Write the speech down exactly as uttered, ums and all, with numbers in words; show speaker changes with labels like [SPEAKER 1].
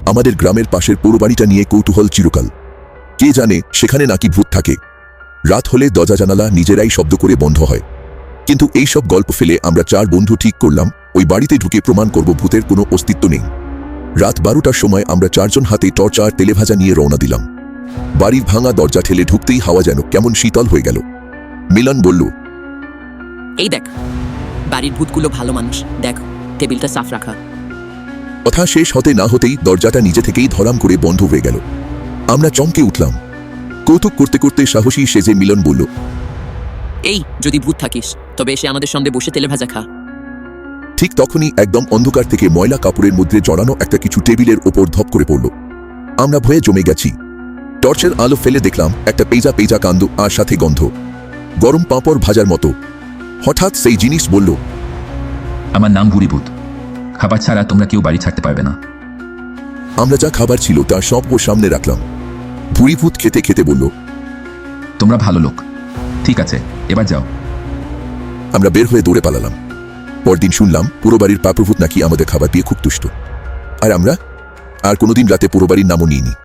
[SPEAKER 1] আমাদের গ্রামের পাশের পুরো বাড়িটা নিয়ে কৌতূহল চিরকাল। কে জানে সেখানে নাকি ভূত থাকে। রাত হলে দরজা জানালা নিজেরাই শব্দ করে বন্ধ হয়। কিন্তু এই সব গল্প ফেলে আমরা চার বন্ধু ঠিক করলাম ওই বাড়িতে ঢুকে প্রমাণ করব ভূতের কোনো অস্তিত্ব নেই। রাত বারোটার সময় আমরা চারজন হাতে টর্চ আর তেলেভাজা নিয়ে রওনা দিলাম। বাড়ির ভাঙা দরজা ঠেলে ঢুকতেই হাওয়া যেন কেমন শীতল হয়ে গেল। মিলন বলল,
[SPEAKER 2] এই দেখ, বাড়ির ভূতগুলো ভালো মানুষ, দেখ টেবিলটা সাফ রাখা।
[SPEAKER 1] কথা শেষ হতে না হতেই দরজাটা নিজে থেকেই ধরাম করে বন্ধ হয়ে গেল। আমরা চমকে উঠলাম। কৌতুক করতে করতে সাহসী সেজে মিলন বলল,
[SPEAKER 2] এই যদি ভূত থাকিস তবে এসে আমাদের সঙ্গে বসে তেলে ভাজা খা।
[SPEAKER 1] ঠিক তখনই একদম অন্ধকার থেকে ময়লা কাপড়ের মধ্যে জড়ানো একটা কিছু টেবিলের ওপর ধপ করে পড়ল। আমরা ভয়ে জমে গেছি। টর্চের আলো ফেলে দেখলাম একটা পেজা পেজা কান্দ আর সাথে গন্ধ, গরম পাঁপড় ভাজার মতো। হঠাৎ সেই জিনিস বলল,
[SPEAKER 3] আমার নাম ভুরিভূত, খাবার ছাড়া তোমরা কেউ বাড়ি ছাড়তে পারবে না।
[SPEAKER 1] আমরা যা খাবার ছিল তার সব ও সামনে রাখলাম। ভুরিভূত খেতে খেতে বলল,
[SPEAKER 3] তোমরা ভালো লোক, ঠিক আছে এবার যাও।
[SPEAKER 1] আমরা বের হয়ে দৌড়ে পালালাম। পরদিন শুনলাম পুরো বাড়ির পাপ্রভূত নাকি আমাদের খাবার পেয়ে খুব তুষ্ট। আর আমরা আর কোনোদিন রাতে পুরো বাড়ির নামও নিইনি।